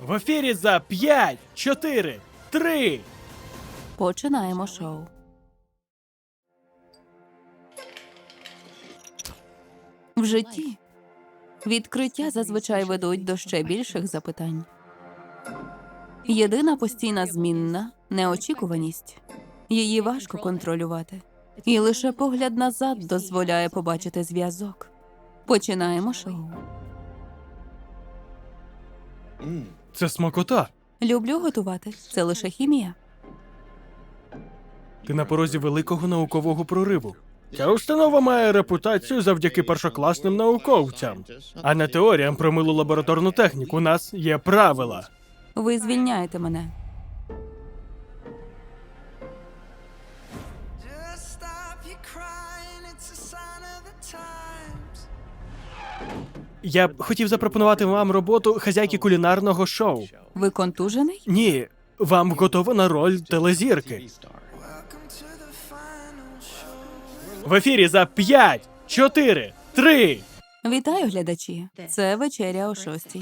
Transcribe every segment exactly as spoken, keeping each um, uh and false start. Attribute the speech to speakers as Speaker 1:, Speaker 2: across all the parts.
Speaker 1: В ефірі за п'ять, чотири, три.
Speaker 2: Починаємо шоу. В житті відкриття зазвичай ведуть до ще більших запитань. Єдина постійна змінна – неочікуваність. Її важко контролювати. І лише погляд назад дозволяє побачити зв'язок. Починаємо шоу.
Speaker 1: Це смакота.
Speaker 2: Люблю готувати. Це лише хімія.
Speaker 1: Ти на порозі великого наукового прориву. Ця установа має репутацію завдяки першокласним науковцям. А не теоріям про милу лабораторну техніку. У нас є правила.
Speaker 2: Ви звільняєте мене.
Speaker 3: Just stop your crying, it's a sign of the times.
Speaker 1: Я б хотів запропонувати вам роботу хазяйки кулінарного шоу.
Speaker 2: Ви контужений?
Speaker 1: Ні, вам готова на роль телезірки.
Speaker 3: Welcome to the final show.
Speaker 1: В ефірі за п'ять, чотири, три.
Speaker 2: Вітаю, глядачі. Це вечеря о шостій.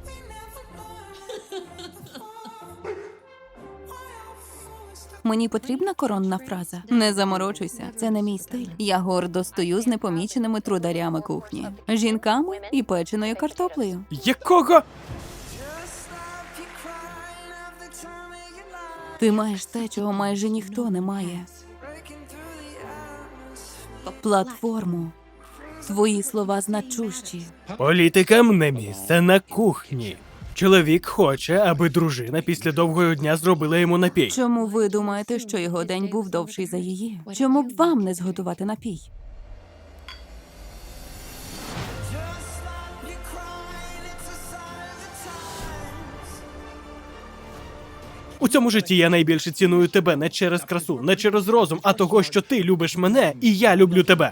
Speaker 2: Мені потрібна коронна фраза. Не заморочуйся, це не мій стиль. Я гордо стою з непоміченими трударями кухні, жінками і печеною картоплею.
Speaker 1: Якого?
Speaker 3: Just stop your crying of the time of your life.
Speaker 2: Ти маєш те, чого майже ніхто не має.
Speaker 3: Breaking through the atmosphere.
Speaker 2: Платформу. Твої слова значущі.
Speaker 1: Політикам не місце на кухні. Чоловік хоче, аби дружина після довгого дня зробила йому напій.
Speaker 2: Чому ви думаєте, що його день був довший за її? Чому б вам не зготувати напій?
Speaker 3: Just stop your crying, it's a sign of the times.
Speaker 1: У цьому житті я найбільше ціную тебе не через красу, не через розум, а того, що ти любиш мене, і я люблю тебе.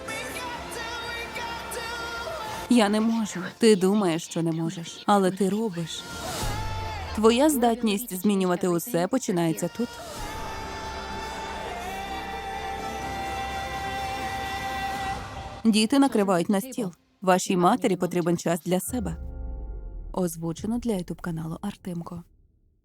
Speaker 2: Я не можу. Ти думаєш, що не можеш, але ти робиш. Твоя здатність змінювати усе починається тут. Діти накривають на стіл. Вашій матері потрібен час для себе. Озвучено для ютуб каналу Артемко.